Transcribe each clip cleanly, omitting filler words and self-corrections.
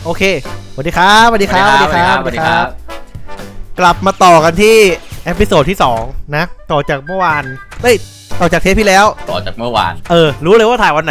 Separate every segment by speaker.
Speaker 1: โอเคสวัสดีครับสวัสดีครับสวัสดีครับสวัสดีครับกลับมาต่อกันที่เอพิโซดที่2นะต่อจากเมื่อวานต่อจากเทปที่แล้ว
Speaker 2: ต่อจากเมื่อวาน
Speaker 1: รู้เลยว่าถ่ายวันไหน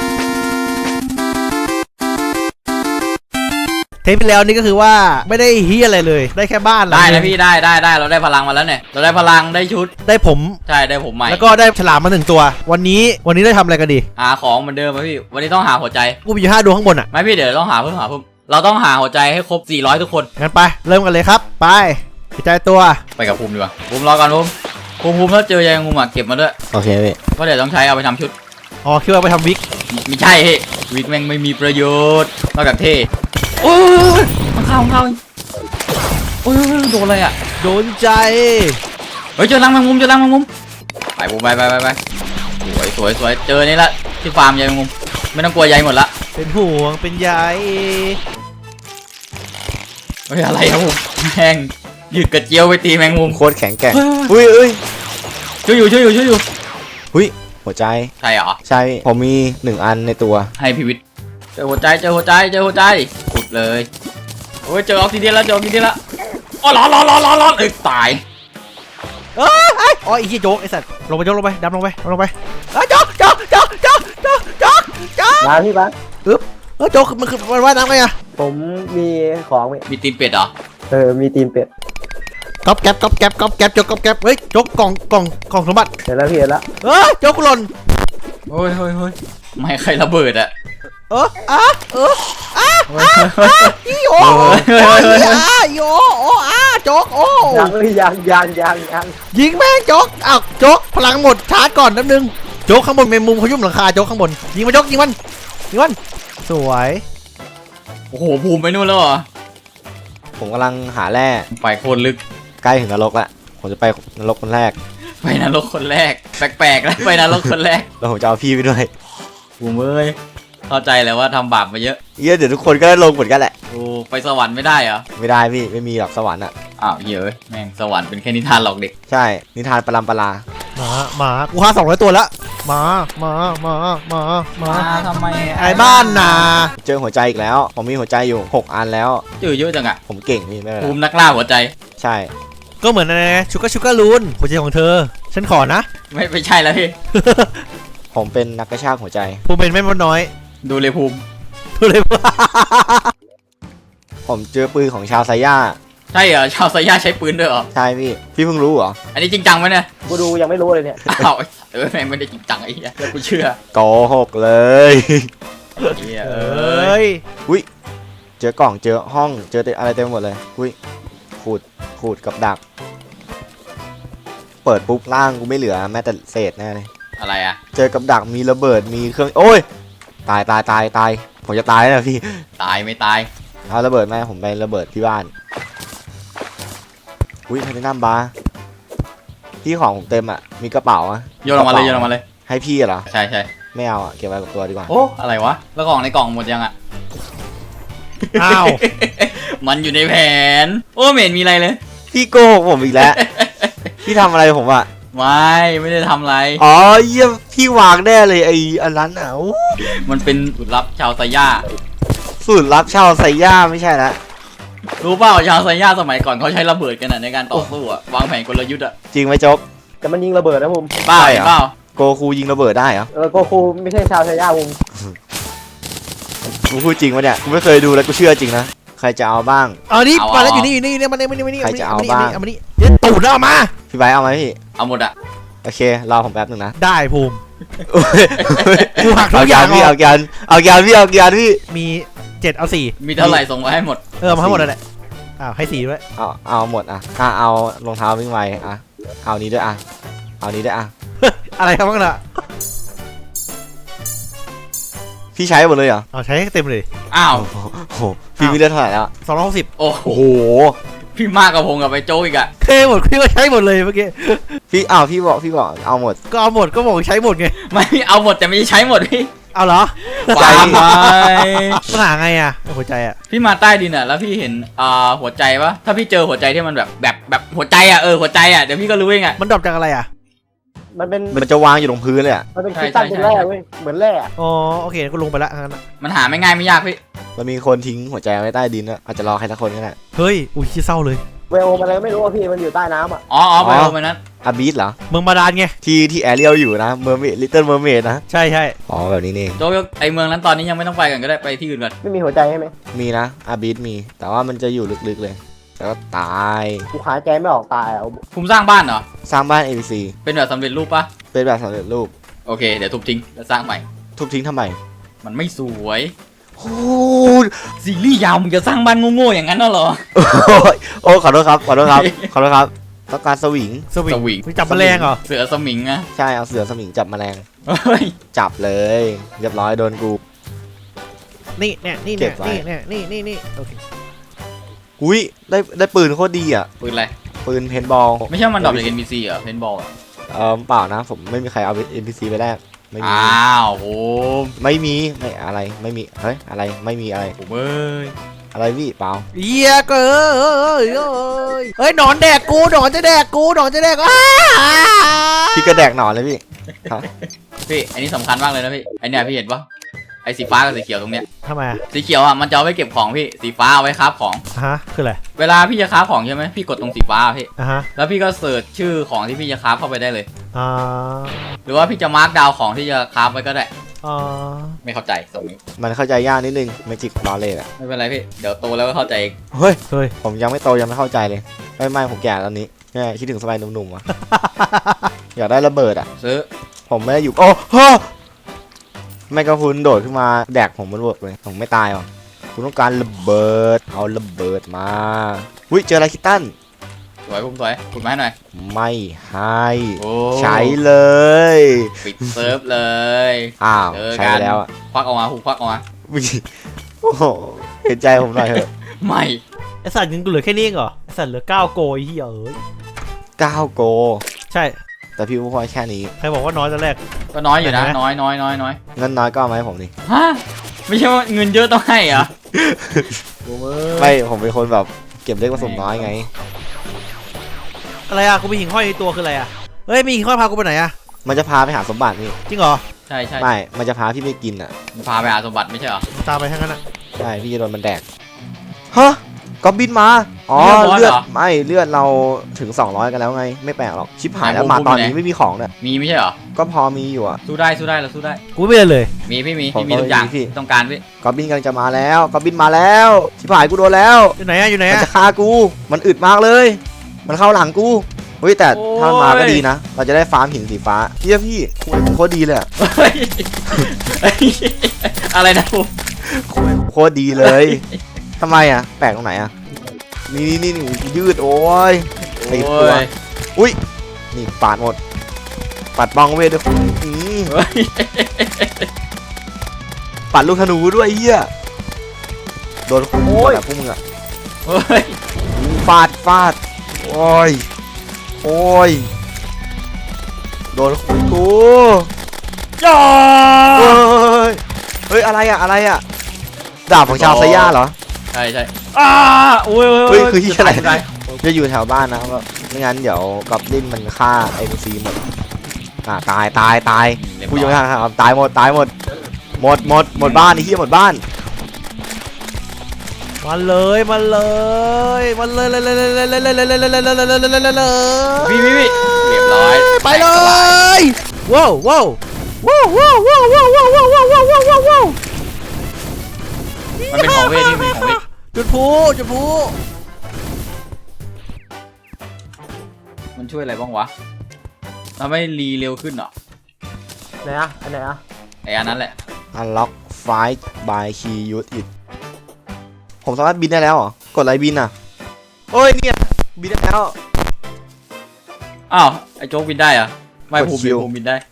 Speaker 1: เทปที่แล้วนี่ก็คือว่าไม่ได้เฮียอะไรเลยได้แค่บ้าน
Speaker 2: ได้นะพี่ได้เราได้พลังมาแล้วเนี่ยเราได้พลังได้ชุด
Speaker 1: ได้ผม
Speaker 2: ใช่ได้ผมใหม่
Speaker 1: แล้วก็ได้ฉลามมา1ตัววันนี้ได้ทำอะไรกันดี
Speaker 2: หาของเหมือนเดิมไหมพี่วันนี้ต้องหาหัวใจ
Speaker 1: กูมีอยู่5 ดวงข้างบนอ่ะ
Speaker 2: ไม่พี่เดี๋ยวต้องหาเพิ่มเราต้องหาหัวใจให้ครบ400ทุกคน
Speaker 1: งั้นไปเริ่มกันเลยครับไปหัวใจตัว
Speaker 2: ไปกับภูมิดีกว่าภูมิรอก่อนภูมิถ้าเจอยังงูเก็บมาด้วย
Speaker 1: โอเคพี่
Speaker 2: เพราะเดี๋ยวต้องใช้เอาไปทำชุด
Speaker 1: อ๋อคิดว่าไปทำวิก
Speaker 2: ไม่ใช่วิกแม่งไม่มีประโยชน์นอกจากเท่โอ้ยมันเข้าโอ้ยโดนอะไรอ่ะ
Speaker 1: โดนใจ
Speaker 2: เฮ้ยเจอรังแมงมุมไปภูมิไปสวยเจอนี่ละที่ฟาร์มใยแมงมุมไม่ต้องกลัวใยหมดละ
Speaker 1: เป็นห่วงเป็นใย
Speaker 2: เฮ้ยอะไรครับผมแม่งยืดกระเจียวไปตีแมงมุม
Speaker 1: โคตรแข็งแกร่ง
Speaker 2: ช่วยอยู่
Speaker 1: หุ้ยหัวใจ
Speaker 2: ใช่เหรอ
Speaker 1: ใช่ผมมี1 อันในตัว
Speaker 2: ให้พิวิทย์เจอหัวใจขุดเลยโอ้ยเจอออกซิเดียนแล้วอ๋อร้อนตาย
Speaker 1: อ๋อไอ้โจ๊กไอ้สัตว์ลงไปดำลงไปโจ๊ก
Speaker 3: มาพี่บ้าน
Speaker 1: โจ๊กมันคือมันว่ายน้ำไงอะ
Speaker 3: ผมมีของ
Speaker 2: มีตีนเป็ดเหรอ
Speaker 3: มีตีนเป็ด
Speaker 1: ก๊อบแก๊บโจ๊กก๊อบแก๊บเฮ้ยโจ๊กกล่องสมบัติ
Speaker 3: เห็นแล้วพี่เห็นแล้ว
Speaker 1: โจ๊กหล่น
Speaker 2: โอ้ยไม่ใครระเบิดอะ
Speaker 1: อีโอโจ๊ก
Speaker 3: ยัง
Speaker 1: ยิงแม่งโจ๊กโจ๊กพลังหมดชาร์จก่อนนิดนึงโจ๊กข้างบนเมมมุมเขายุ่มหลังคาโจ๊กข้างบนยิงมันโจ๊กยิงมันสวย
Speaker 2: โอ้โหภูมิไปนู่นแล้วเหรอ
Speaker 1: ผมกำลังหาแร่
Speaker 2: ไปโคตรลึก
Speaker 1: ใกล้ถึงนรกละผมจะไปนรกคนแรก
Speaker 2: ไปนรกคนแรกแปลกแล้วไปนรกคนแรก
Speaker 1: แล้วผมจะเอาพี่ไปด้วย
Speaker 2: ภูมิเอ้ยเข้าใจแล้วว่าทำบาปมาเยอะ
Speaker 1: เดี๋ยวทุกคนก็ลงเหมือนกันแหละ
Speaker 2: โอ้ไปสวรรค์ไม่ได้เหรอ
Speaker 1: ไม่ได้พี่ไม่มีหรอกสวรรค์อะ
Speaker 2: อ้าวเยอะแม่งสวรรค์เป็นแค่นิทานหลอกเด็ก
Speaker 1: ใช่นิทานปรำปราหมากูฆ่า200 ตัวแล้วมา
Speaker 2: ทำไม
Speaker 1: ไอ้บ้านนาเจอหัวใจอีกแล้วผมมีหัวใจอยู่6 อันแล้ว
Speaker 2: เจอเยอะจังอะ
Speaker 1: ผมเก่งนี่ไม่เป็นไร
Speaker 2: ภูมินักล่าหัวใจ
Speaker 1: ใช่ก็เหมือนนะชูการ์ลูนหัวใจของเธอฉันขอนะ
Speaker 2: ไม่ใช่แล้วพี่
Speaker 1: ผมเป็นนักกระชากหัวใจผมเป็นแม่มดน้อย
Speaker 2: ดูเลยภูมิ
Speaker 1: ผมเจอปืนของชาวไซย่า
Speaker 2: ใช่เหรอชาวไซย่าใช้ปืนด้วยเหรอ
Speaker 1: ใช่พี่เพิ่งรู้เหรอ
Speaker 2: อันนี้จริงจังไหมเนี่ย
Speaker 3: กูดูยังไม่รู้เลยเนี่ย
Speaker 2: อ้าวแม่งไม่ได้จริงจังไอ้เหี้ยกูเชื่อ
Speaker 1: โกหกเลยอุ้ยเจอกล่องเจอห้องเจออะไรเต็มหมดเลยอุ้ยขูดกับดักเปิดปุ๊บล่างกูไม่เหลือแม้แต่เศษแน่เลย
Speaker 2: อะไรอะ
Speaker 1: เจอกับดักมีระเบิดมีเครื่องโอ้ยตายผมจะตายแล้วพี่
Speaker 2: ตายไม่ตาย
Speaker 1: เอาระเบิดไหมผมไประเบิดที่บ้านอุ้ยไทเทเนียมบาร์ที่ของผมเต็มอ่ะมีกระเป๋าอะ
Speaker 2: โยนออกมาเลย
Speaker 1: ให้พี่เหรอ
Speaker 2: ใช่
Speaker 1: ไม่เอาอะเก็บไว้กับตัวดีกว่า
Speaker 2: โอ้อะไรวะแล้วกล่องในกล่องหมดยังอะ
Speaker 1: อ้าว
Speaker 2: มันอยู่ในแผนโอ้ไม่เห็นมีอะไรเลย
Speaker 1: พี่โกหกผมอีกแล้ว พี่ทำอะไรผมอะ
Speaker 2: ไม่ได้ทำอะไร
Speaker 1: อ๋อเยี่ยมพี่วางแน่เลยไอ้อันนั้นอ่ะ
Speaker 2: มันเป็นสูตรลับชาวไซย่า
Speaker 1: สูตรลับชาวไซย่าไม่ใช่ละ
Speaker 2: รู้เปล่าชาวไซย่าสมัยก่อนเขาใช้ระเบิดกันในการต่อสู้อะวางแผนกลยุทธ์อะ
Speaker 1: จริงไหมจ๊ก
Speaker 3: แต่มันยิงระเบิดนะผม
Speaker 2: เปล่า
Speaker 1: โกคูยิงระเบิดได้เหรอ
Speaker 3: โกคูไม่ใช่ชาวไซย่าผม
Speaker 1: กูพูดจริงวะเนี่ยกูไม่เคยดูแล้วกูเชื่อจริงนะใครจะเอาบ้างนี่มาแล้วอยู่นี่มันนี่ใครจะเอาบ้างเอามานี่เดี๋ยวตูดเอามาพี่ไบเอาไหมพี่
Speaker 2: เอาหมดอะ
Speaker 1: โอเครอผมแป๊บนึงนะได้ภูมิกูหักทุกอย่างพี่เอาพี่มี7เอา4
Speaker 2: มีเท่าไหร่ส่งมาให้หมด
Speaker 1: มาให้หมดเลยแหละให้4ด้วยเอาหมดเอารองเท้าวิ่งไวเอานี้ด้วยเอานี้ด้วยอะไรครับบ้างล่ะพี่ใช้หมดเลยเหรอใช้เต็มเลย
Speaker 2: อ้าว
Speaker 1: โหพี่มีเลือดเท่าไหร่แล้ว260
Speaker 2: โอ้โหพี่มากกับผมกับไปโจ้อีกอะ
Speaker 1: เคหมดพี่ก็ใช้หมดเลยเมื่อกี้พี่พี่บอกเอาหมดก็เอาหมดก็บอกใช้หมดไง
Speaker 2: ไม่เอาหมดแต่ไม่ใช้หมดพี่
Speaker 1: เอาเหรอ
Speaker 2: ใจไป
Speaker 1: ปัญหาไงอะหัวใจอะ
Speaker 2: พี่มาใต้ดินอะแล้วพี่เห็นหัวใจปะถ้าพี่เจอหัวใจที่มันแบบหัวใจอะหัวใจอะเดี๋ยวพี่ก็รู้เองอะ
Speaker 1: มันดรอปจากอะไรอะ
Speaker 3: มัน
Speaker 1: จะวางอยู่ตรงพื้นเลยอ่ะ
Speaker 3: มันเป็นคริสตัลเป็นแร่เว้ยเหมือนแร่
Speaker 1: อ๋อโอเคก็ลงไปละงั้น
Speaker 2: มันหาไม่ง่ายไม่ยากพี่
Speaker 1: มันมีคนทิ้งหัวใจไว้ใต้ดินอะอาจจะรอใครสักคนก็ได้
Speaker 4: เฮ้ยอุ้ยเศร้าเลย
Speaker 3: เวลมันอะไรไม่รู้อะพี่มันอยู่ใต้น้ำอะ
Speaker 2: อ๋อไปโอมันนั้น
Speaker 1: อาบีสเหรอ
Speaker 4: เมืองบาดาลไง
Speaker 1: ที่แอเรียลอยู่นะเมอร์เมดลิตเติ้ลเมอร์เมดนะ
Speaker 4: ใช่ใช่
Speaker 1: อ๋อแบบนี้นี่เอง
Speaker 2: โจ๊กไอเมืองนั้นตอนนี้ยังไม่ต้องไปกันก็ได้ไปที่อื่นก่อน
Speaker 3: ไม่มีหัวใจใช่ไหม
Speaker 1: มีนะอาบีสมี แต่ว่ามันจะอยู่ลึกๆเลยแล้วก็ตาย
Speaker 3: กูหายใจไม่ออกตายอะ
Speaker 2: ภูมิสร้างบ้านเหรอ
Speaker 1: สร้างบ้าน ABC
Speaker 2: เป็นแบบสำเร็จรูปปะ
Speaker 1: เป็นแบบสำเร็จรูป
Speaker 2: โอเคเดี๋ยวทุบทิ้งแล้วสร้างใหม่
Speaker 1: ทุบทิ้งทำไม
Speaker 2: มันไม่สวย
Speaker 1: โอ้ย
Speaker 2: ซีรีส์ยาวมึงจะสร้างบ้านโง่ๆอย่างนั้นน่ะเหรอ
Speaker 1: โอ้ยขอโทษครับขอโทษครับขอโทษครับต้องการสวิง
Speaker 4: สวิง
Speaker 2: สวิง
Speaker 4: ไปจับแมลงเหรอ
Speaker 2: เสือสมิงอะ
Speaker 1: ใช่เอาเสือสมิงจับแมลง
Speaker 2: เฮ้ย
Speaker 1: จับเลยเรียบร้อยโดนกู
Speaker 4: นี่เนี่ยนี่
Speaker 1: เก็
Speaker 4: เนี่ย
Speaker 1: บไว้
Speaker 4: นี่โอเค
Speaker 1: อุ้ยได้ปืนโคตรดีอ่ะ
Speaker 2: ปืนอะไร
Speaker 1: ปืนเพนบอล
Speaker 2: ไม่ใช่มันดรอปจาก NPC เหรอเพนบอลอะ
Speaker 1: เปล่านะผมไม่มีใครเอา NPC ไปแลกไม่มี
Speaker 2: อ้าวโห
Speaker 1: ไม่มีไม่อะไรไม่มีเฮ้ยอะไรไม่มีอะไร
Speaker 2: ผมเอ้ย
Speaker 1: อะไรพี่เปล่า
Speaker 4: เฮียก็เฮ้ยหนอนแดกกูหนอนจะแดกกูหนอนจะแดกอ้า
Speaker 1: พี่กระแดกหนอนเลยพี่ฮะ
Speaker 2: พี่อันนี้สำคัญมากเลยนะพี่ไอเนี่ยพี่เห็นปะไอสีฟ้ากับสีเขียวตรงเนี้ย
Speaker 4: ทำไมอะ
Speaker 2: สีเขียวอ่ะมันจะเอาไว้เก็บของพี่สีฟ้าเอาไว้คราฟของ
Speaker 4: ฮะคืออะไร
Speaker 2: เวลาพี่จะคราฟของใช่ไหมพี่กดตรงสีฟ้าพี่
Speaker 4: ฮะ
Speaker 2: แล้วพี่ก็เสิร์ชชื่อของที่พี่จะคราฟเข้าไปได้เลย
Speaker 4: อ่า
Speaker 2: หรือว่าพี่จะมาร์กดาวของที่จะคราฟไว้ก็ได้
Speaker 4: อ่า
Speaker 2: ไม่เข้าใจตรงนี้
Speaker 1: มันเข้าใจยากนิดนึงเมจิกนอเลจอะ
Speaker 2: ไม่เป็นไรพี่เดี๋ยวโตแล้วก็เข้าใจเอง
Speaker 1: เฮ้ย
Speaker 4: เฮ้ย
Speaker 1: ผมยังไม่โตยังไม่เข้าใจเลยไม่ผมแก่ตอนนี้แม่คิดถึงสมัยหนุ่มๆวะ อยากได้ระเบิดอ่ะ
Speaker 2: ซื้อ
Speaker 1: ผมไม่ได้อยู่โอ้โหแม่กระพุนโดดขึ้นมาแดกผมมันเวิร์กเลยผมไม่ตายหรอกคุณต้องการระเบิดเอาระเบิดมาอุ้ยเจออะไรคิตตัน
Speaker 2: สวยผมสวยขุดมาให้หน่อย
Speaker 1: ไม่ให้
Speaker 2: โอ้
Speaker 1: ใช้เลย
Speaker 2: ปิดเซิร์ฟเลย
Speaker 1: อ้าว
Speaker 2: เจอกัน
Speaker 1: ใช้ไปแล้วอ่ะ
Speaker 2: ควักออกมาหูควักออกมา
Speaker 1: อุ๊ยโอ้โหเห็นใจผมหน่อยเถอะ
Speaker 2: ไม่
Speaker 4: ไอสัตว์ยังเหลือแค่นี้เองเหรอไอสัตว์เหลือ9โกยเฮียเอ้ย
Speaker 1: 9โก
Speaker 4: ใช่
Speaker 1: แต่พี่พูดแค่นี้
Speaker 4: ใครบอกว่าน้อยตอนแรก
Speaker 2: ก็น้อยอยู่นะ
Speaker 4: เห็นไหม
Speaker 2: น้อย
Speaker 1: เงินน้อยก็เอามาให้ผมดิ
Speaker 2: ฮะไม่ใช่ว่าเงินเยอะต้องให้เหรอ
Speaker 1: ไม่ผมเป็นคนแบบเก็บเล็กผสมน้อยไง
Speaker 4: อะไรอะกูมีหิ่งห้อยในตัวคืออะไรอะเฮ้ยมีหิ่งห้อยพากูไปไหนอะ
Speaker 1: มันจะพาไปหาสมบัตินี่
Speaker 4: จริงเหรอ
Speaker 2: ใช่ใช่
Speaker 1: ไม่มันจะพาพี่ไปกินอ่ะ
Speaker 2: พาไปหาสมบัติไม่ใช่เหรอ
Speaker 4: ตามไปทั้งนั้นอะ
Speaker 1: ใช่พี่จะโดนมันแดกฮะก็บินมาอ๋อ
Speaker 2: เลือด
Speaker 1: ไม่เลือดเราถึง200กันแล้วไงไม่แปลกหรอกชิบหายแล้ว
Speaker 2: ไหน
Speaker 1: มา
Speaker 2: ผม
Speaker 1: ตอน
Speaker 2: อยู่
Speaker 1: นี้
Speaker 2: ไหน
Speaker 1: ไม่มีของเนี่ย
Speaker 2: มีไม่ใช่เหรอ
Speaker 1: ก็พอมีอยู่อ่ะ
Speaker 2: สู้ได้เราสู้ได้
Speaker 4: กูไม่เป็นเลย
Speaker 2: มีพี่มี
Speaker 1: ผม
Speaker 2: พี่มีทุกอย่าง
Speaker 1: มีพี่
Speaker 2: ต้องการพี่
Speaker 1: ก็บินกำลังจะมาแล้วก็บินมาแล้วชิบหายกูโดนแล้ว
Speaker 4: อยู่ไหนอะอยู่ไหน
Speaker 1: มัน
Speaker 4: อะ
Speaker 1: จะฆ่ากูมันอึดมากเลย มันเข้าหลังกูเฮ้ยแต่ถ้ามันมาก็ดีนะ เราจะได้ฟาร์มหินสีฟ้าพี่คุยโคตรดีเลยอะ
Speaker 2: เฮ้ยเฮ้ยอะไรนะผม
Speaker 1: คุยโคตรดีเลยทำไมอ่ะแปลกตรงไหนอ่ะนี่ยืดโอ้ย ติดตัว อุ้ยนี่ปาดหมดปัดบองเวทด้วยอื้อ
Speaker 2: เฮ้ย
Speaker 1: ปัดลูกธนูด้วยเฮียโดนโอ้ยพวกมึงอ่ะ
Speaker 2: เฮ้ย
Speaker 1: ฟาดโอ้ยโดนกู
Speaker 2: จ้า
Speaker 1: เฮ้ยอะไรอ่ะดาบของชาวไซย่าเหรอ
Speaker 2: ใช่โอ้ย
Speaker 1: เฮ้ยคือที่อะไร
Speaker 2: ด้
Speaker 1: จะอยู่แถวบ้านนะก็ไม่งั้นเดี๋ยวกอบลินมันฆ่าไอ้ซีหมดตายผู้อยู่ข้างๆตายหมดบ้านไอ้เหี้ยหมดบ้าน
Speaker 4: มันเลย
Speaker 2: พี่เรียบร้อย
Speaker 4: ไปเลยว้าว
Speaker 2: มันเป็นของเวทที่เป็นของเวท
Speaker 4: จุดพู
Speaker 2: มันช่วยอะไรบ้างวะทำให้รีเร็วขึ้นเหรอ
Speaker 3: ไหนอะอันไหนอะ
Speaker 2: ไอ้อันนั้นแหละ
Speaker 1: Unlock Fight by Key Use It ผมสามารถบินได้แล้วเหรอกดอะไรบินอ่ะโอ้ยเนี่ยบินได้แล้ว
Speaker 2: อ้าวไอ้โจ๊กบินได้เหรอะไม่
Speaker 1: กด
Speaker 2: ภูมิ
Speaker 1: คิว
Speaker 2: บินได้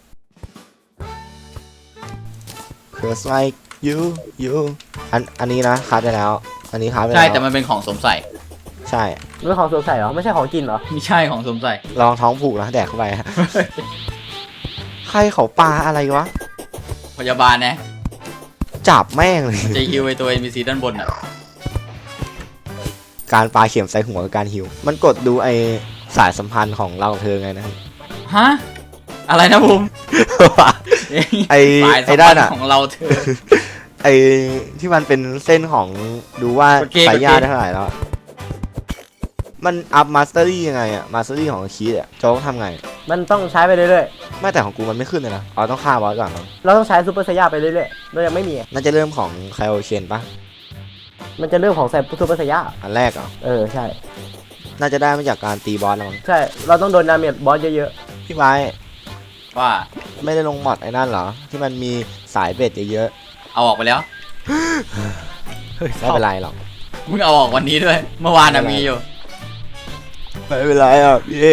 Speaker 1: Cause like you อันนี้นะคาร์ดไปแล้ว อันนี้คาร์ดไปแล้ว
Speaker 2: ใช่แต่มันเป็นของสวมใส่
Speaker 1: ใช่
Speaker 3: เรื่องของสวมใส่เหรอไม่ใช่ของกินเหรอ
Speaker 2: ไม่ใช่ของสวมใส่
Speaker 1: ลองท้องผูกนะแดกเข้าไป ใครเขาปลาอะไรวะ
Speaker 2: พยาบาลนะ
Speaker 1: จับแม่งเลย
Speaker 2: จะฮิวไอตัว NPC ด้านบนอ่ะ
Speaker 1: การปลาเข็มใส่หัวกับการหิว มันกดดูไอสายสัมพันธ์ของเรากับเธอไงนะ
Speaker 2: ฮะอะไรนะภูมิ
Speaker 1: ไอ
Speaker 2: สายสัม
Speaker 1: ด้า
Speaker 2: พั
Speaker 1: น
Speaker 2: น
Speaker 1: อะ
Speaker 2: ธ์ของเราเธอ
Speaker 1: ไอ้ที่มันเป็นเส้นของดูว่าสายญาติได้เท่าไหร่แล้วมันอัพมาสเตอรี่ยังไงอะมาสเตอรี่ของคีดอะโจ๊กทำไง
Speaker 3: มันต้องใช้ไปเรื่อย
Speaker 1: ไม่แต่ของกูมันไม่ขึ้นเลยนะอ๋อต้องฆ่าบอสก่อนมั้ง
Speaker 3: ๆเราต้องใช้ซูเปอร์ไซย่าไปเรื่อยๆเรายังไม่มี
Speaker 1: น่าจะเริ่มของไคโอเชนปะ
Speaker 3: มันจะเรื่องของใส่ซูเปอร์ไซย่า
Speaker 1: อันแรกเหรอ
Speaker 3: ใช่
Speaker 1: น่าจะได้มาจากการตีบอสแล้วมั้ง
Speaker 3: ใช่เราต้องโดนดาเมจบอสเยอะ
Speaker 1: พี่ไม้
Speaker 2: ว่า
Speaker 1: ไม่ได้ลงมอดไอ้นั่นเหรอที่มันมีสายเบ็ดเยอะ
Speaker 2: เอาออกไปแล้ว
Speaker 4: เฮ้ย
Speaker 1: ๆไม่เป็นไรหรอก
Speaker 2: มึงเอาออกวันนี้ด้วย เมื่อวานน่ะมีอยู่
Speaker 1: ไม่เป็นไรอ่ะพี่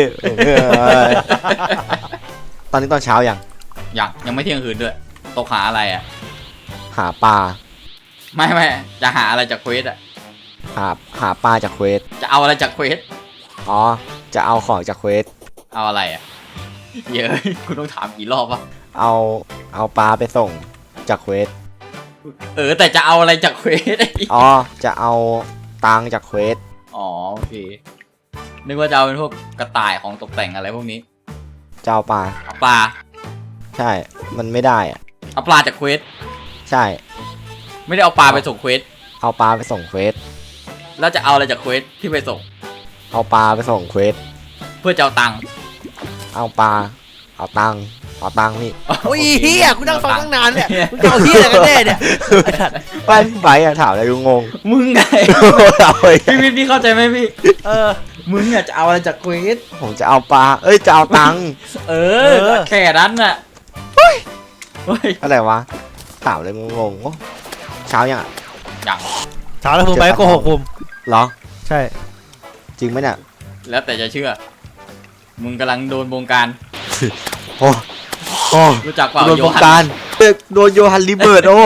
Speaker 1: ตอนนี้ตอนเช้ายัง
Speaker 2: ยังไม่เที่ยงคืนด้วยตกหาอะไรอ่ะ
Speaker 1: หาปลา
Speaker 2: ไม่จะหาอะไรจากเควสอ่ะ
Speaker 1: หาปลาจากเควส
Speaker 2: จะเอาอะไรจากเควส
Speaker 1: อ๋อจะเอาของจากเควส
Speaker 2: เอาอะไรอ่ะเยอะ คุณต้องถามกี่รอบวะ
Speaker 1: เอาปลาไปส่งจากเควส
Speaker 2: แต่จะเอาอะไรจากเควส
Speaker 1: อ๋อจะเอาตังค์จากเควส
Speaker 2: อ๋อโอเคนึกว่าจะเอาเป็นพวกกระต่ายของตกแต่งอะไรพวกนี้
Speaker 1: จะเอาปลา
Speaker 2: เอาปลา
Speaker 1: ใช่มันไม่ได้อ่ะ
Speaker 2: เอาปลาจากเควส
Speaker 1: ใช่
Speaker 2: ไม่ได้เอาปลาไปส่งเควส
Speaker 1: เอาปลาไปส่งเควส
Speaker 2: แล้วจะเอาอะไรจากเควสที่ไปส่ง
Speaker 1: เอาปลาไปส่งเควส
Speaker 2: เพื่อจะเอาตังค์
Speaker 1: เอาปลาเอาตังค์นี่
Speaker 4: โอ้ยเฮียกูนั่งฟังตั้งนานเนี่ยมึงจะเอาเฮียอะไรกันแน่เนี่ย
Speaker 1: ไปพี่ไบอะถามอะไรกูงง
Speaker 2: มึงไง
Speaker 1: เอาไป
Speaker 2: พี่เข้าใจไหมพี่
Speaker 4: อ
Speaker 2: มึงอ่ะจะเอาอะไรจากเควส
Speaker 1: ผมจะเอาปลาจะเอาตังค์
Speaker 2: แค่นั้นน่ะเฮ้ย
Speaker 1: อะไรวะถามอะไรงงๆโอ้เช้ายังอะ
Speaker 2: อย่าง
Speaker 4: เช้าแล้วผมไปโกหกผม
Speaker 1: เหรอ
Speaker 4: ใช่
Speaker 1: จริงไหมเนี่ย
Speaker 2: แล้วแต่จะเชื่อ มึงกำลังโดนบงการ
Speaker 1: โอ้โอ้
Speaker 2: รู้จักเปล่า
Speaker 1: โดน
Speaker 2: โย
Speaker 1: บง
Speaker 2: ฮัน
Speaker 1: การโดนโยฮันลิเบิร์ตโอ้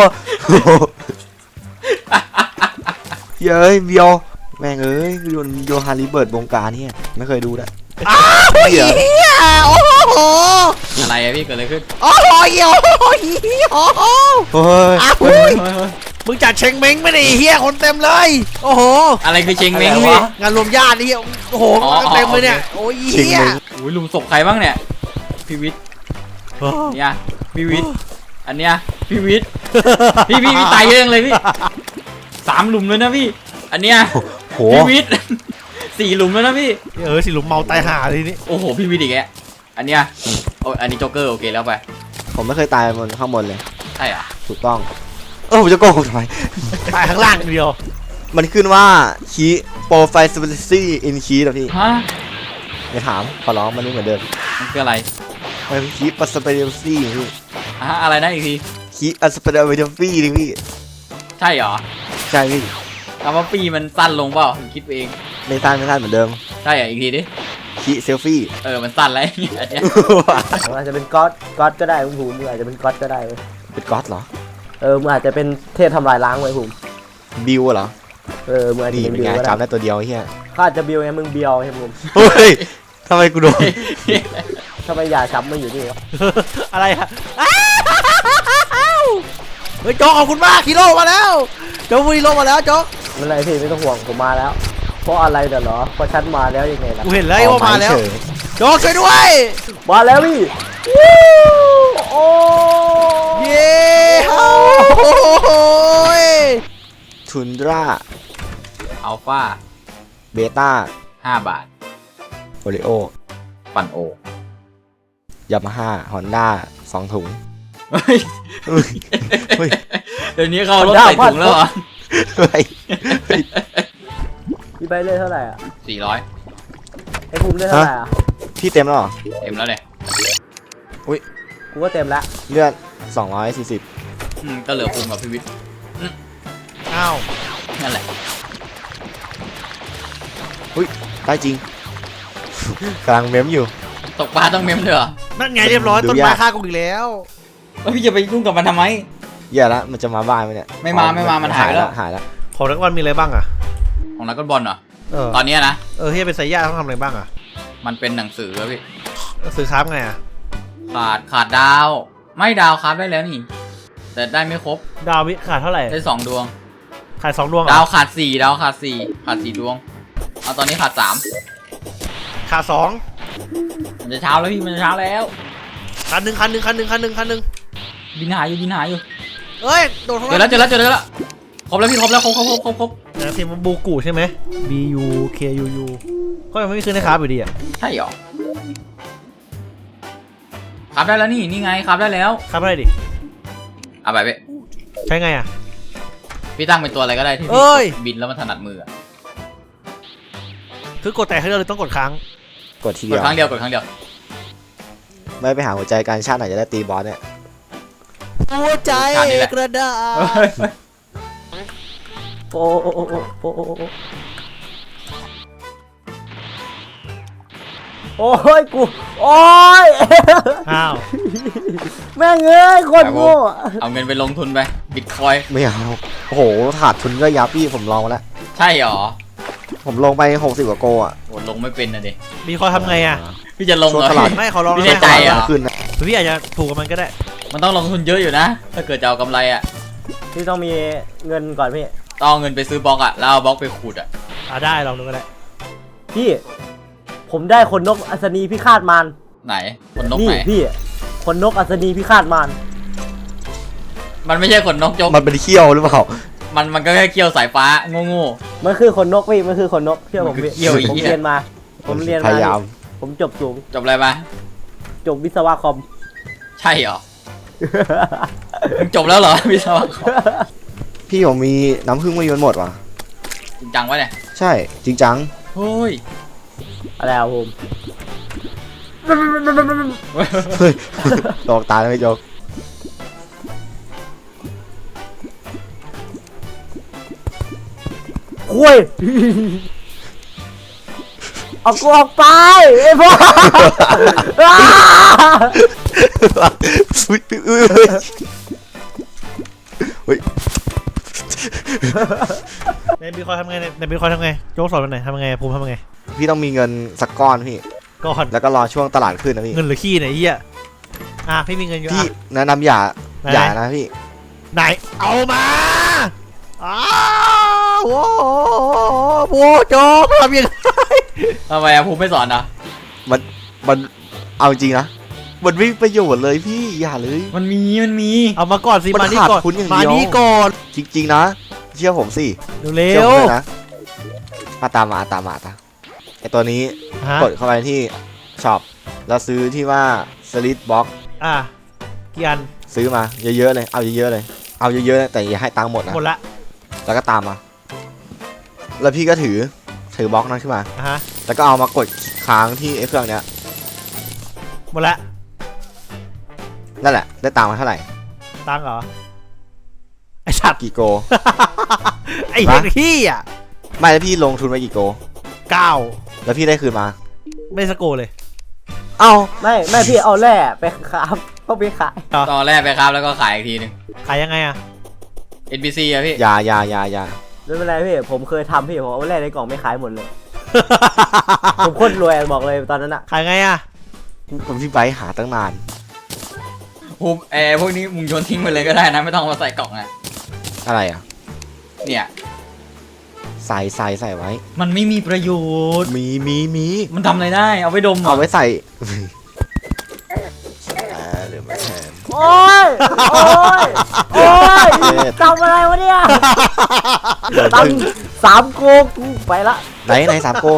Speaker 1: เย้ยเบียวแม่งโดนโยฮันลิเบิร์ตบงการเนี่ยไม่เคยดูนะ
Speaker 4: เฮียโอ้โห
Speaker 2: อะไรอะพี่เกิดอะไรขึ้น
Speaker 4: โอ้โหเฮียโอ้โห
Speaker 1: เฮ้ย
Speaker 4: อ้าวมึงจัดเชงเม้งไม่ได้เฮียคนเต็มเลย โอ้โห
Speaker 2: อะไรคือเชงเม้ง
Speaker 3: อะไร
Speaker 2: พี่
Speaker 3: วะ
Speaker 4: งานรวมญาตินี่โอ้โห
Speaker 2: อ๋อ
Speaker 4: เต็มเลยเนี่ยโอ้ย
Speaker 1: ชิง
Speaker 4: เฮีย
Speaker 1: มึง
Speaker 2: อุ้ยลุมศพใครบ้างเนี่ยพี่วิทย์เนี่ยพี่วิทย์อันเนี้ยพี่วิทย์พี่ตายเยอะจังเลยพี่3 หลุมเลยนะพี่ อันเนี้ย
Speaker 1: โห
Speaker 2: พี่วิทย์ 4 หลุมแล้วนะพี่
Speaker 4: สิหลุมเมาตายห่าทีนี้
Speaker 2: โอ้โหพี่วิทย์อีกแกอันเนี้ยโอ้อันนี้โจ๊กเกอร์โอเคแล้วไป
Speaker 1: ผมไม่เคยตายบนข้างบนเลย
Speaker 2: ใช่อ่ะ
Speaker 1: ถูกต้องผมจะโกหกทำไม
Speaker 4: ตายข้างล่างอย่างเดียว
Speaker 1: มันขึ้นว่าคีโปรไฟล์สเปซซี่อินคีนะพี่
Speaker 2: ฮะ
Speaker 1: อย่าถามขอร้องมันไม่เหมือนเดิม
Speaker 2: มันคืออะไร
Speaker 1: มันคือคีปัสเปซซี่พี่
Speaker 2: อะไรนะอีกที
Speaker 1: คีอัสเปซซี่นี่พี่
Speaker 2: ใช่เหรอ
Speaker 1: ใช่พี่
Speaker 2: คำว่าปีมันสั้นลงเปล่าคิดเอง
Speaker 1: ไม่สั้นเหมือนเดิม
Speaker 2: ใช่เหรออีกทีดิ
Speaker 1: คีเซลฟี่
Speaker 2: มันสั้นแล้วอันเนี้ย
Speaker 3: ๆอาจจะเป็นก๊อตก็ได้คุณภูมิมึงอาจจะเป็นก๊อตก็ได้เว้ย
Speaker 1: เป็นก๊อตเหรอ
Speaker 3: มึงอาจจะเป็นเทพทำลายล้างไว้ภูมิ
Speaker 1: บิวเหรอ
Speaker 3: มึงอาจจะ
Speaker 1: นี่
Speaker 3: เป็น
Speaker 1: เป็น
Speaker 3: บิว
Speaker 1: ไง
Speaker 3: ก็ได้
Speaker 1: จำได้ตัวเดียวเฮีย
Speaker 3: เขาอาจจะบิวไงมึงเบียวไงภูมิ
Speaker 1: เฮ้ยทำไมกูโดน
Speaker 3: ทำไมยาช้ำมาอยู่นี่วะ
Speaker 4: อะไรอะเฮ้ยโจ๊กขอบคุณมากฮีโร่มาแล้วโจ๊กฮีโร่มาแล้วโจ๊ก
Speaker 3: ไม่เป็นไรพี่ไม่ต้องห่วงผมมาแล้ว เพราะอะไรเดี๋ยวเหรอเพราะฉันมาแล้วยังไงล่ะ
Speaker 4: กูเห็นแล้วว่ามาแล้ว
Speaker 1: เฉย
Speaker 4: โจ๊กช่วยด้วย
Speaker 3: มาแล้วพี่โอ้
Speaker 4: เย้โอ้ย
Speaker 1: ทุนดรา
Speaker 2: อัลฟา
Speaker 1: เบต้า
Speaker 2: 5 บาท
Speaker 1: โอริโอ
Speaker 2: ปันโอย
Speaker 1: ามาฮ่าฮอนด้า2 ถุง
Speaker 2: เฮ้ย
Speaker 1: เฮ้ย
Speaker 2: เดี๋ยวนี้เขาลดใส่ถุงแล้วเหรอ
Speaker 1: เฮ้ย
Speaker 3: พี่ใบเล่เท่าไหร่อ่ะ
Speaker 2: 400
Speaker 3: ไอ้ภูมิเล่เท่าไหร่อ่ะ
Speaker 1: พี่เต็มแล้วเหรอ
Speaker 2: เต็มแล้วเลย
Speaker 3: กูก็เต็มแล้ว
Speaker 1: เลือด240
Speaker 2: ก็เหลือภูมิกับพี่วิทย์
Speaker 4: อ้าว
Speaker 2: นั่นแหละ
Speaker 1: ได้จริง กำลังเม้มอยู่
Speaker 2: ตกปลาต้องเมมเลยเหรอ
Speaker 4: นั่นไงเรียบร้อย
Speaker 1: ดู
Speaker 4: ต้น
Speaker 1: ยาก
Speaker 4: ไม้ฆ่ากูอีกแล้ว
Speaker 2: แล้วพี่จะไปยุ่งกับมันทำไม
Speaker 1: แย่แล้วมันจะมาบ้านไหมเนี่ย
Speaker 2: ไม่มามันหายไปแล้ว
Speaker 1: หายแล้ว
Speaker 4: ของนักวันมีอะไรบ้างอะ
Speaker 2: ของนักบอลเหรอ
Speaker 4: เออ
Speaker 2: ตอนเนี้ยนะ
Speaker 4: เฮียเป็นสายญาติต้องทำอะไรบ้างอะ
Speaker 2: มันเป็นหนังสือครับพี่
Speaker 4: ซื้อคราฟไงอะ
Speaker 2: ขาดดาว ไม่ดาวครับได้แล้วนี่ แต่ได้ไม่ครบ
Speaker 4: ดาววิขาดเท่าไหร่
Speaker 2: ได้2 ดวง
Speaker 4: ขาด2 ดวงเหร
Speaker 2: ดาว
Speaker 4: อ
Speaker 2: ขาด4ขาด4 ดวง เอาตอนนี้ขาด 3
Speaker 4: ขาด2
Speaker 2: มันจะเช้าแล้วพี่มันจะเช้าแล้ว
Speaker 4: คันหนึ่ง
Speaker 2: บินหาอยู่
Speaker 4: เอ้ยโดน
Speaker 2: เจอแล้วครบแล้วพี่ครบแล้วครบ
Speaker 4: นะทีมบูกูใช่ไหม B U K U U ก็ยังไม่มีคืนนะครับอยู่ดีอ่ะ
Speaker 2: ใช่หรอขับได้แล้วนี่ไงขับได้แล้ว
Speaker 4: ครับอะไรดิ
Speaker 2: เอาไปพี่
Speaker 4: ใช้ไงอ่ะ
Speaker 2: พี่ตั้งเป็นตัวอะไรก็ได้ที่
Speaker 4: เอ้
Speaker 2: พี่
Speaker 4: ย
Speaker 2: บินแล้วมันถนัดมือ
Speaker 4: คือกดแต่ให้เราเลยต้องกดค้าง
Speaker 1: กดที
Speaker 2: ก
Speaker 1: เดี
Speaker 2: ด
Speaker 1: ยว
Speaker 2: ครั้งเดียว
Speaker 1: ไม่ไปหาหัวใจการชาติไหนจะได้ตีบอสเนี่ย
Speaker 4: หัวใจกระดาษ
Speaker 3: โอ้โอ้โอ้โอ้โอ้โอ้โอ้ยกูโอ้ย
Speaker 4: อ้าว
Speaker 3: แม่งเอ้ยคนโง่
Speaker 2: เอาเงินไปลงทุนไปบิตคอย
Speaker 1: ไม่เอาโอ้โหขาดทุนก็ยับพี่ผมลองมาแล้ว
Speaker 2: ใช่หรอ
Speaker 1: ผมลงไป60 กว่าโกอ่ะ
Speaker 2: โหลงไม่เป็นนะดิ
Speaker 4: มีคอยทำไงอ่ะ
Speaker 2: พี่จะลงเหรอ
Speaker 1: ช่วงตลาด
Speaker 4: ไม่ขอลอง
Speaker 2: พี่
Speaker 4: ได้
Speaker 2: ใจ
Speaker 4: ไหม
Speaker 2: เหรอ
Speaker 1: ขึ้นนะ
Speaker 4: พี่อาจจะถูกกับมันก็ได้
Speaker 2: มันต้องลงทุนเยอะอยู่นะ ถ้าเกิดจะเอากำไรอ่ะ
Speaker 3: พี่ต้องมีเงินก่อนพี่
Speaker 2: ต้องเอาเงินไปซื้อบล็อกอ่ะแล้วเอาบล็อกไปขุดอ่ะ
Speaker 4: ได้ลองดูก็ได้
Speaker 3: พี่ผมได้ขนนกอัศนีพิฆาตมาร
Speaker 2: ไหนขนนก
Speaker 3: นี่
Speaker 2: ไหน
Speaker 3: พี่ขนนกอัศนีพิฆาตมาร
Speaker 2: มันไม่ใช่ขนนกจก
Speaker 1: มันเป็นเขี้ยวหรือเปล่า
Speaker 2: มันก็แค่เกี่ยวสายฟ้าโง่
Speaker 3: มันคือขนนกพี่มันคือขนนกเชื่อผมพี่
Speaker 2: มันคือเขี้ยวอีก
Speaker 3: ผมเรียนมา ผมเรียน
Speaker 1: พ
Speaker 3: มาย
Speaker 1: ายาม
Speaker 3: ผมจบสูง
Speaker 2: ๆจบอะไรมา
Speaker 3: จบวิศวะคอม
Speaker 2: ใช่เหรอมึงจบแล้วเหรอวิศวกร
Speaker 1: พี่ผมมีน้ำผึ้งไม่ยนหมดว่ะ
Speaker 2: จริงจังวะเนี่ย
Speaker 1: ใช่จริงจัง
Speaker 2: โอ้ย
Speaker 3: อะไรอะผม
Speaker 1: เฮ้ยตอกตาแล้วไม่ยก
Speaker 3: คุยเอากูออกไปไอ้พวก
Speaker 1: อุ๊ยอุ๊ยอุ๊ยเฮ้ย
Speaker 4: ในบีคอยทำไงในบีคอยทำไงโจ๊กสอนมันไหนทำไงภูมิทำไง
Speaker 1: พี่ต้องมีเงินสักก้อนพี่
Speaker 4: ก่อน
Speaker 1: แล้วก็รอช่วงตลาดขึ้นนะพี่
Speaker 4: เงินหรือขี้ไหนเฮียพี่มีเงินอยู่
Speaker 1: พี่
Speaker 4: อ่ะ
Speaker 1: แนะนำอย่า
Speaker 4: ไหน
Speaker 1: อย่านะพี่
Speaker 4: ไหนเอามาอ้าวโอ้โหโจ๊กทำยังไง
Speaker 2: ทำไมอะภูมิไม่สอนนะ
Speaker 1: มันเอาจริงนะมันไม่มีประโยชน์เลยพี่อย่าเลย
Speaker 2: มันมี
Speaker 4: เอามาก่อนสิ
Speaker 1: มัน
Speaker 4: มานี่
Speaker 1: ขาด
Speaker 4: ก่อน
Speaker 1: ทุนอย่าง
Speaker 4: มา
Speaker 1: เดียว
Speaker 4: นี่ก่อน
Speaker 1: จริงๆนะเชื่อผมสิ
Speaker 4: เร็
Speaker 1: เชื่อผ
Speaker 4: ว
Speaker 1: มเลยนะตามมาไอตัวนี้
Speaker 4: ฮะ
Speaker 1: กดเข้าไปที่ช็อปแล้วซื้อที่ว่าสลิดบ็อก
Speaker 4: กี่อัน
Speaker 1: ซื้อมาเยอะๆเลยเอาเยอะๆเลยเอาเยอะๆนะแต่อย่าให้ตังค์หมดนะ
Speaker 4: หมดละ
Speaker 1: แล้วก็ตามมา แล้วพี่ก็ถือบล็อกนั้นขึ้นมา
Speaker 4: ฮะ
Speaker 1: แล้วก็เอามากดค้างที่ไอ้เครื่องเนี้ย
Speaker 4: หมดละ
Speaker 1: นั่นแหละได้ตังค์มาเท่าไหร่
Speaker 4: ตังค์เหรอไอ้สัตว์
Speaker 1: กี่โก
Speaker 4: ไอ้เด็กขี้อ่ะ
Speaker 1: ไม่แล้วพี่ลงทุนไปกี่โก
Speaker 4: 9
Speaker 1: แล้วพี่ได้คืนมา
Speaker 4: ไม่สโกเลย
Speaker 1: เอ้า
Speaker 3: ไม่พี่เอาแร่ไปครับต้องไปขาย
Speaker 2: ตอนแรกไปครับแล้วก็ขายอีกทีหนึง
Speaker 4: ขายยังไงอ่ะ
Speaker 2: NPC อะพี่
Speaker 1: อย่า
Speaker 3: ไม่เป็นไรพี่ผมเคยทำพี่ผมเอาแร่ในกล่องไม่ขายหมดเลย ผมโคตรรวยบอกเลยตอนนั้นอะ
Speaker 4: ขายไงอ่ะ
Speaker 1: ผมพี่ไบร์ทหาตั้งนาน
Speaker 2: ภูมิพวกนี้มึงโยนทิ้งไปเลยก็ได้นะไม่ต้องเอามาใส่กล่องอะ
Speaker 1: อะไรอ่ะ
Speaker 2: เนี่ย
Speaker 1: ใส่ไว้
Speaker 2: มันไม่มีประโยชน์
Speaker 1: มี
Speaker 2: มันทำอะไรได้ เอาไว้ดมเหร
Speaker 1: เอา
Speaker 2: อ
Speaker 1: ไว้ใส่หรือไม่แทน
Speaker 3: โอ้ยโอ้ยโอ้ยทำอะไรวะเนี่ยตัง3 โกกูไปละ
Speaker 1: ไหนสามโก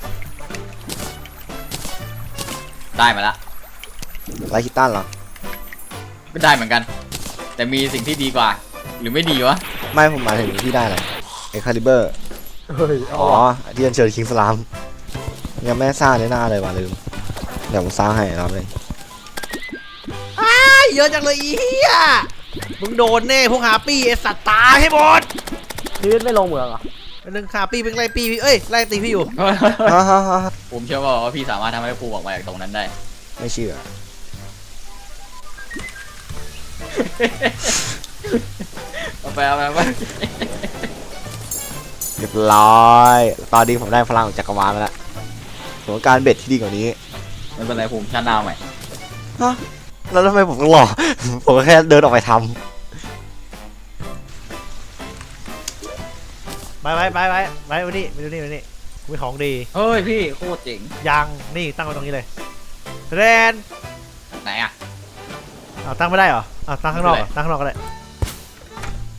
Speaker 2: ได้มาละ
Speaker 1: ไรคิตตันเหรอ
Speaker 2: ก็ได้เหมือนกัน แต่มีสิ่งที่ดีกว่า หรือไม่ดีวะ
Speaker 1: ไม่ผมหมายถึงพี่ได้อะไรเอ็กคาลิเบอร์
Speaker 3: เฮ้ย
Speaker 1: อ๋อที่อัญเชิญคิงสลามยังไม่สร้างในหน้าเลยว่ะลืมเดี๋ยวผมสร้างให้รอบเลย
Speaker 4: เยอะจังเลยอีเหี้ยมึงโดนแน่พวกหาปี้ไอสัตว์ตายให้หมด
Speaker 3: ชีวิตไม่ลงเหมืองเหรอ
Speaker 4: เป็นหนึ่งหาปี้เป็นไล่ปี้เอ้ยไล่ตีพี่อยู่
Speaker 2: ผมเชื่อว่าพี่สามารถทำให้ภูมิออกมาจากตรงนั้นได้
Speaker 1: ไม่เชื่อ
Speaker 2: เอาไป
Speaker 1: เรียบร้อย ตอนนี้ผมได้พลังของจักรวาลมาแล้วผมต้องการเบ็ดที่ดีกว่านี้
Speaker 2: ไม่เป็นไรภูมิชาติหน้าใหม่
Speaker 1: ฮะแล้วทำไมผมต้องรอ ผมก็แค่เดินออกไปท
Speaker 4: ไปวันนี้มีของดี
Speaker 2: เฮ้ยพี่โคตรเจ๋ง
Speaker 4: ยังนี่ตั้งไว้ตรงนี้เลยแรน
Speaker 2: ไหนอะ
Speaker 4: ตั้งไม่ได้เหรอตั้งข้างนอกเหรอตั้งข้างนอกก็ได้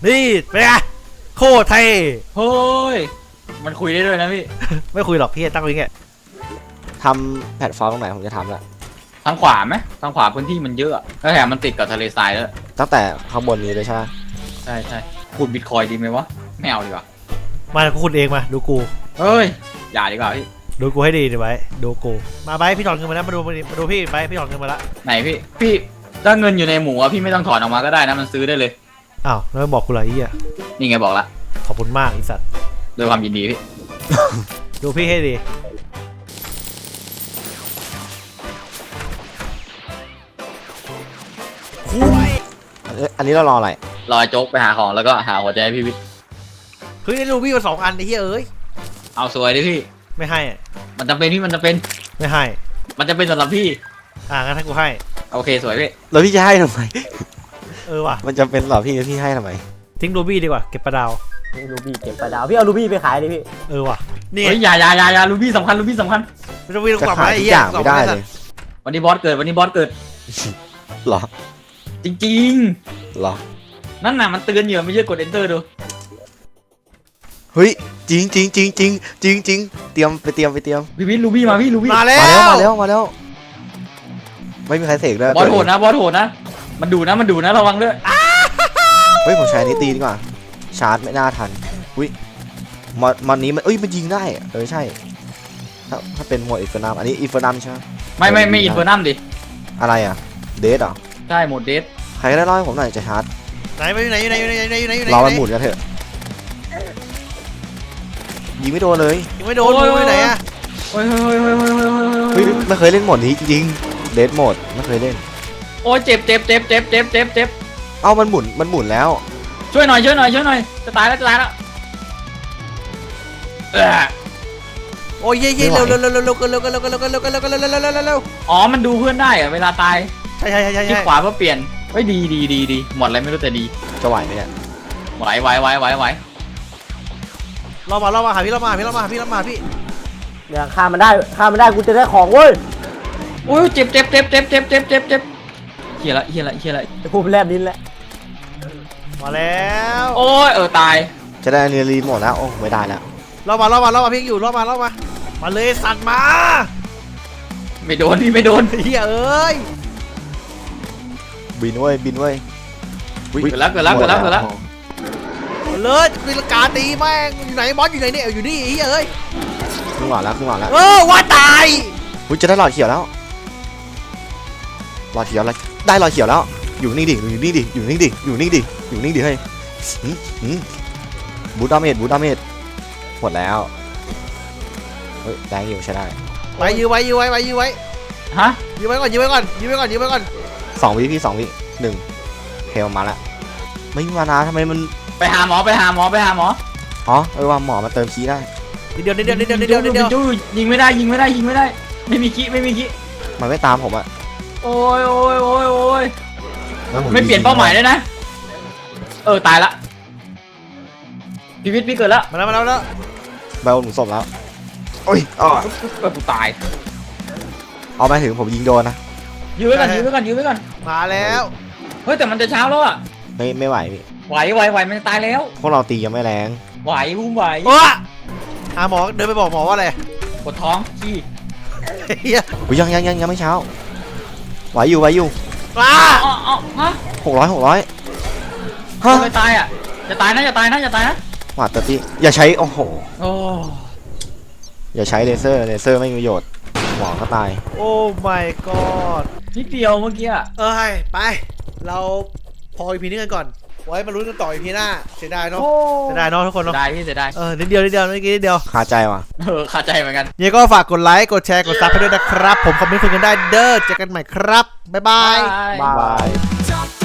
Speaker 4: นี่เป็นไงโคตรเท่
Speaker 2: เฮ้ยมันคุยได้ด้วยนะพี่
Speaker 4: ไม่คุยหรอกพี่ตั้งไว้อย่างเงี้ย
Speaker 1: ทำแพลตฟอร์มตรงไหนผมจะทำละ
Speaker 2: ทางขวาไหมทางขวาพื้นที่มันเยอะแล้วแถมมันติดกับทะเลทรายแล้ว
Speaker 1: ตั้งแต่ข้างบนนี้เลยใช่ไหม
Speaker 2: ใช่ใช่ขุดบิตคอยดีไหมวะไม่เอาดีกว่า
Speaker 4: มากูคุณเองมาดูกู
Speaker 2: เฮ้ยอย่าดีกว่าพี่
Speaker 4: ดูกูให้ดีดิไว้ดูกูมาไปพี่ถอนเงินมาแล้วมาดูพี่ไปพี่ถอนเงินมาละ
Speaker 2: ไหนพี่ถ้าเงินอยู่ในหมูอะพี่ไม่ต้องถอนออกมาก็ได้นะมันซื้อได้เลย
Speaker 4: อ้าวแล้วไม่บอกกูเลยไอ้เหี้ย
Speaker 2: นี่ไงบอกละ
Speaker 4: ขอบคุณมากไอีสัตว์
Speaker 2: ด้วยความยินดีพี่
Speaker 4: ดูพี่ให้ดี
Speaker 1: อันนี้เรารออะไร
Speaker 2: รอโจ๊กไปหาของแล้วก็หาหัวใจให้พี่วิทย์
Speaker 4: เฮ้ยได้ดูพี่มา2 อันไอ้เหี้ยเอ้ย
Speaker 2: เอาสวยดิพี่
Speaker 4: ไม่ให้อะ
Speaker 2: มันจำเป็นพี่มันจำเป็น
Speaker 4: ไม่ให้
Speaker 2: มันจะเป็นสำหรับพี่
Speaker 4: งั้นให้กูให้
Speaker 2: โอเคสวยพี่
Speaker 1: แล้วพี่จะให้ทำไม
Speaker 4: ว่ะ
Speaker 1: มันจำเป็นเหรอพี่ให้ทำไม
Speaker 4: ทิ้งรูบี้ดีกว่าเก็บปลาดาว
Speaker 3: รูบี้เก็บปลาดาวพี่เอารูบี้ไปขายดิพี่
Speaker 4: ว่ะนี่
Speaker 2: เฮ้ยอย่าลูบี้สำคัญลูบี้สำคัญ
Speaker 4: ไม่ต้องวิ่ง
Speaker 1: จะ
Speaker 4: กลับ
Speaker 1: ขา
Speaker 4: มาย ไอ้
Speaker 1: ทุก
Speaker 4: เหี้
Speaker 1: อย ย่างไม่ได้เลย
Speaker 2: วันนี้บอสเกิดวันนี้บอสเกิด
Speaker 1: เหรอ
Speaker 2: จริง
Speaker 1: เหรอ
Speaker 2: ๆนั่นน่ะมันเตือนอยู่ไม่ใช่กด enter ดู
Speaker 1: เฮ้ยจริงเตรียมไปเตรียม
Speaker 2: พี่วิทย์ลูบี้มาพี่ลูบี้
Speaker 4: มาแล้ว
Speaker 1: มาแล้วไม่มีใครเสกเลย
Speaker 2: บอสโหดนะมันดูนะระวังด้วย
Speaker 1: เฮ้ยผมใช้อันนี้ตีดีกว่าชาร์จไม่น่าทันอุ้ยมอนนี้มันมันยิงได้ใช่ถ้าเป็นโหมดอินเฟอร์นัมอันนี้อินเฟอร์นัมใช่ไหม
Speaker 2: ไม่อินเฟอร์นัมดิ
Speaker 1: อะไรอ่ะเดทเหรอ
Speaker 2: ใช่โหมดเดท
Speaker 1: ใครก็ได้เล่าให้ผมหน่อยจะชาร์จ
Speaker 4: ไหนไปอยู่ไหน
Speaker 1: รอมันหมุนกันเถอะยิงไม่โดนเลย
Speaker 4: ยังไม่โดนอยู่ไหนอะ
Speaker 2: โอ้ย
Speaker 1: เฮ้ยไม่เคยเล่นโหมดนี้จริงเดทโหมดไม่เคยเล่น
Speaker 2: โอ้ยเจ็บ
Speaker 1: เอ้ามันหมุนแล้ว
Speaker 2: ช่วยหน่อยจะตายแล้ว
Speaker 4: โอ้ยเย่เร็ว
Speaker 2: อ๋อมันดูเพื่อนได้อะเวลาตาย
Speaker 4: ใช่
Speaker 2: คลิกขวาเพื่อเปลี่ยนเฮ้ยดีหมดอะไรไม่รู้แต่ดี
Speaker 1: จะไหวไหมเนี่ย
Speaker 2: ไหว
Speaker 4: รอมาหาพี่
Speaker 3: เนี่ยฆ่ามันได้กูจะได้ของเว้ย
Speaker 2: โอ้ยเจ็บเฮียละ
Speaker 3: ไอ้พวกแลบลิ้นแหละ
Speaker 4: มาแล้ว
Speaker 2: โอ้ยตาย
Speaker 1: จะได้เนรีหมดแล้วโอ้ไม่ได้แล้ว
Speaker 4: รอมาพี่อยู่รอมามาเลยสัตว์มา
Speaker 2: ไม่โดนพี่ไม่โดน
Speaker 4: เฮียเอ้ย
Speaker 1: บินเว้ย
Speaker 2: เกิดแล้ว
Speaker 4: เลยตีลังกาตีแม่งอยู่ไหนบอสอยู่ไหนเนี่ยอยู่นี่เฮียเอ้ย
Speaker 1: ครึ่งหลอดแล้ว
Speaker 4: ว่าตาย
Speaker 1: อุ้ยจะได้หลอดเขียวแล้วได้หลอดเขียวแล้วอยู่นี่ดิอยู่นี่ดิเฮ้ยบูทดาเมจหมดแล้วเฮ้ยแรงอยู่ใช้ได้
Speaker 4: ไปยื้อไว้
Speaker 2: ฮะ
Speaker 4: ยื้อไว้ก่อน
Speaker 1: 2 วิพี่2 วิ1เฮลมาละไม่มีมานาทำไมมัน
Speaker 2: ไปหาหมอ
Speaker 1: อ๋อว่าหมอมาเติมคีย์ได้
Speaker 4: นิดเดียว
Speaker 2: ยิงไม่ได้ไม่มีคิ
Speaker 1: มันไม่ตามผมอะ
Speaker 2: โอ้ยไม่เปลี่ยนเป้าหมายเลยนะตายละพี่วิทย์พี่เกิดแล้ว
Speaker 4: มาแล้ว
Speaker 1: ใบโอนหนุนศพแล้วโอ้ย
Speaker 2: กูตาย
Speaker 1: เอาไปถึงผมยิงโดนนะ
Speaker 2: ยื้อไว้ก่อน
Speaker 4: มาแล้ว
Speaker 2: เฮ้ยแต่มันจะเช้าแล้วอ่ะ
Speaker 1: ไม่ไหวพี่
Speaker 2: ไหวมันจะตายแล้ว
Speaker 1: พวกเราตียังไม่แรง
Speaker 2: ไหวบุ้มไหว
Speaker 4: หาหมอเดินไปบอกหมอว่าอะไร
Speaker 2: ปวดท้องขี้
Speaker 4: เฮีย
Speaker 1: อุ้ยยังไม่เช้าไหวอยู่
Speaker 4: มา
Speaker 2: ฮะ
Speaker 1: 600 ฮะ
Speaker 2: ไม่ตายอ่ะจะตายนะ
Speaker 1: หวาดตะตีอย่าใช้โอ้โห
Speaker 2: โอ้
Speaker 1: อย่าใช้เลเซอร์ไม่มีประโยชน์หมอก็ตาย
Speaker 4: โอ้ my god
Speaker 2: นิดเดียวเมื่อกี้อ่ะ
Speaker 4: ไปเราพออีพีนี้กันก่อนไว้มาลุ้นกันต่ออีพีหน้าเสียดายเนาะทุกคนเนาะ
Speaker 2: ได้พี่เสียดาย
Speaker 4: นิดเดียวเมื่อกี้นิดเดียว
Speaker 1: คาใจว่ะ
Speaker 2: ขาดใจเหมือนกัน
Speaker 4: ยังก็ฝากกดไลค์กดแชร์กดซับให้ด้วยนะครับผมคอมเมนต์คุยกันได้เด้อเจอกันใหม่ครับบ๊ายบาย
Speaker 1: บาย
Speaker 5: Top